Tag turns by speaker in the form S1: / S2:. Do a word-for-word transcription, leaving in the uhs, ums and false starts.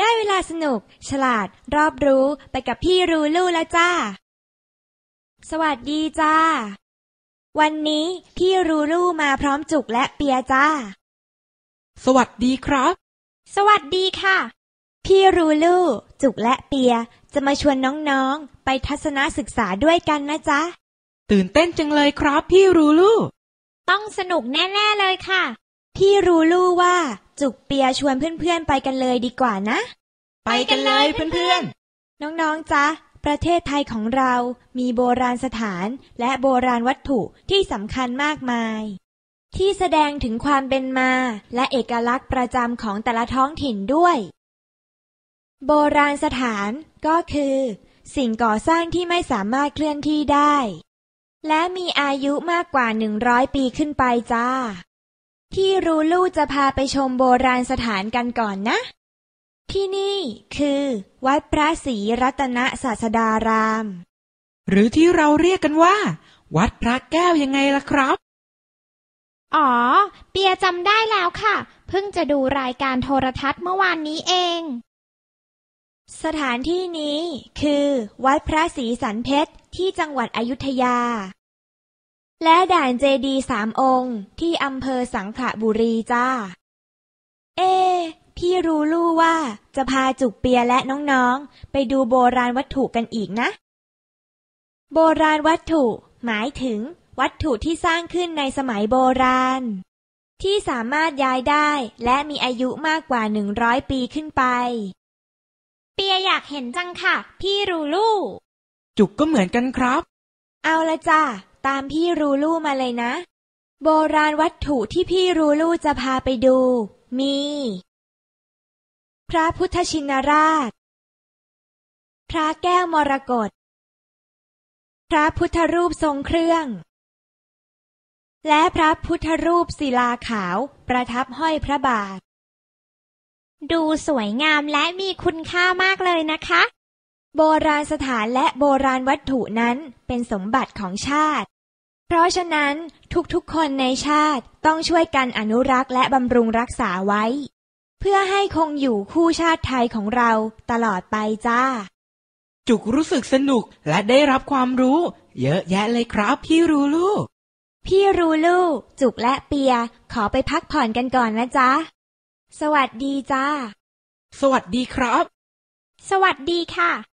S1: ได้เวลาสนุกฉลาดรอบรู้ไปกับพี่รูลู่แล้วจ้าสวัสดีจ้าวันนี้พี่รูลู่มาพร้อมจุกและเปียจ้า
S2: สวัสดีครับ
S1: สวัสดีค่ะพี่รูลู่จุกและเปียจะมาชวนน้องๆไปทัศนศึกษาด้วยกันนะจ๊ะ
S2: ตื่นเต้นจังเลยครับพี่รูลู่
S1: ต้องสนุกแน่ๆเลยค่ะพี่รูลู่ว่าจุกเปียชวนเพื่อนๆไปกันเลยดีกว่านะ
S2: ไปกันเลยเพื่อน
S1: ๆน้องๆจ๊ะประเทศไทยของเรามีโบราณสถานและโบราณวัตถุที่สำคัญมากมายที่แสดงถึงความเป็นมาและเอกลักษณ์ประจำของแต่ละท้องถิ่นด้วยโบราณสถานก็คือสิ่งก่อสร้างที่ไม่สามารถเคลื่อนที่ได้และมีอายุมากกว่าหนึ่งร้อยปีขึ้นไปจ้าพี่รูลู่จะพาไปชมโบราณสถานกันก่อนนะที่นี่คือวัดพระศรีรัตนศาสดาราม
S2: หรือที่เราเรียกกันว่าวัดพระแก้วยังไงล่ะครับ
S3: อ๋อเปียจำได้แล้วค่ะเพิ่งจะดูรายการโทรทัศน์เมื่อวานนี้เอง
S1: สถานที่นี้คือวัดพระศรีสันเพชรที่จังหวัดอยุธยาและด่านเจดีย์สามองค์ที่อำเภอสังขละบุรีจ้าเอพี่รูลู่ว่าจะพาจุกเปียและน้องๆไปดูโบราณวัตถุกันอีกนะโบราณวัตถุหมายถึงวัตถุที่สร้างขึ้นในสมัยโบราณที่สามารถย้ายได้และมีอายุมากกว่าหนึ่งร้อยปีขึ้นไป
S3: เปียอยากเห็นจังค่ะพี่รูลู่
S2: จุกก็เหมือนกันครับ
S1: เอาละจ้าตามพี่รูลู่มาเลยนะโบราณวัตถุที่พี่รูลู่จะพาไปดูมีพระพุทธชินราชพระแก้วมรกตพระพุทธรูปทรงเครื่องและพระพุทธรูปศิลาขาวประทับห้อยพระบาท
S3: ดูสวยงามและมีคุณค่ามากเลยนะคะ
S1: โบราณสถานและโบราณวัตถุนั้นเป็นสมบัติของชาติเพราะฉะนั้นทุกๆคนในชาติต้องช่วยกันอนุรักษ์และบำรุงรักษาไว้เพื่อให้คงอยู่คู่ชาติไทยของเราตลอดไปจ้า
S2: จุกรู้สึกสนุกและได้รับความรู้เยอะแยะเลยครับพี่รูลู่
S1: พี่รูลู่จุกและเปียขอไปพักผ่อนกันก่อนนะจ๊ะสวัสดีจ้า
S2: สวัสดีครับ
S3: สวัสดีค่ะ